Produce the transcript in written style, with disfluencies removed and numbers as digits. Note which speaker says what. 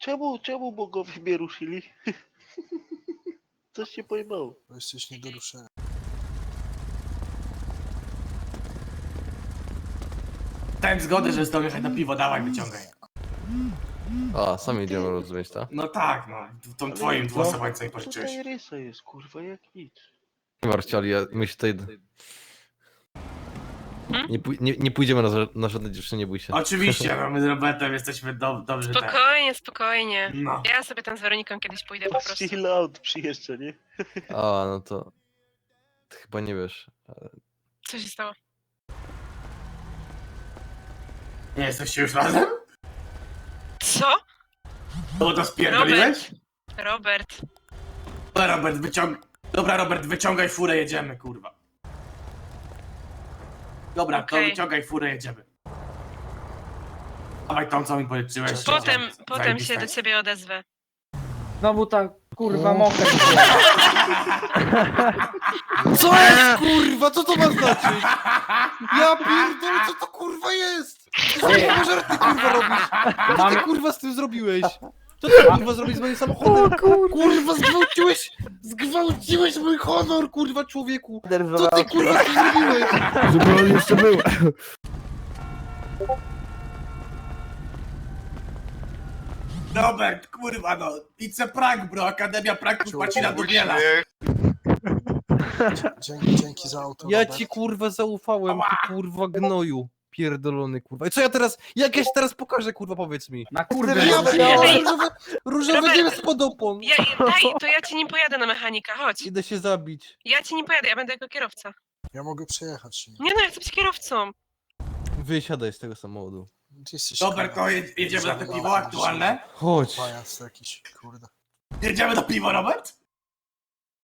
Speaker 1: Czemu bogowie mnie ruszyli? Coś się pojmało.
Speaker 2: Bo jesteś nie do ruszenia.
Speaker 3: Dałem zgodę, że z tobą jechać na piwo, dawaj, wyciągaj.
Speaker 4: A, sami idziemy rozumieć, tak?
Speaker 3: No tak, no. Tą
Speaker 1: Ale
Speaker 3: twoim
Speaker 1: no,
Speaker 3: dwuosobowej co jej pożyczyłeś.
Speaker 1: Tutaj rysa jest, kurwa, jak nic.
Speaker 4: Nie martw się, ale my się tutaj... Nie pójdziemy na żadne dziewczyny, nie bój się.
Speaker 3: Oczywiście, no my z Robertem jesteśmy dobrzy tak.
Speaker 5: Spokojnie, spokojnie.
Speaker 3: No.
Speaker 5: Ja sobie tam z Weroniką kiedyś pójdę po prostu.
Speaker 1: Chill out przyjeżdża, nie?
Speaker 4: A, no to... Ty chyba nie wiesz.
Speaker 5: Co się stało?
Speaker 3: Nie jesteście już razem?
Speaker 5: Co?
Speaker 3: No to spierdoliłeś?
Speaker 5: Robert.
Speaker 3: Dobra, Robert, wyciągaj furę, jedziemy, kurwa. Dobra, to
Speaker 5: Okej.
Speaker 3: wyciągaj furę, jedziemy. Dawaj tą, co mi policzyłeś.
Speaker 5: Potem się do ciebie odezwę.
Speaker 6: Znowu ta kurwa moka.
Speaker 4: Co jest, kurwa? Co to ma znaczyć? Ja pierdolę, co to kurwa jest? Co ty żarty kurwa robisz? Co ty kurwa z tym zrobiłeś? Co ty kurwa zrobiłeś z moim samochodem? Kurwa, zgwałciłeś mój honor, kurwa, człowieku! Co ty kurwa z tym zrobiłeś?
Speaker 7: Żeby on jeszcze był.
Speaker 3: Robert, kurwa no, it's a prank, bro, Akademia Pranków płaci na Dubiela.
Speaker 2: Dzięki za auto.
Speaker 4: Ja
Speaker 2: Robert.
Speaker 4: ci kurwa zaufałem, ty kurwa gnoju. Pierdolony kurwa. I co ja teraz, jak ja się teraz pokażę, kurwa, powiedz mi.
Speaker 6: Na kurde.
Speaker 4: Ja
Speaker 5: Ej,
Speaker 4: różowe
Speaker 5: Robert.
Speaker 4: dzieło spod opon.
Speaker 5: To ja ci nim pojadę na mechanika, chodź.
Speaker 4: Idę się zabić.
Speaker 5: Ja ci nim pojadę, ja będę jako kierowca.
Speaker 2: Ja mogę przejechać.
Speaker 5: Nie no, ja chcę być kierowcą.
Speaker 4: Wysiadaj z tego samochodu.
Speaker 2: Ty jesteś
Speaker 3: Robert, to jedziemy na te piwo aktualne?
Speaker 4: Chodź.
Speaker 2: Pajac jakiś, kurde.
Speaker 3: Jedziemy na piwo, Robert?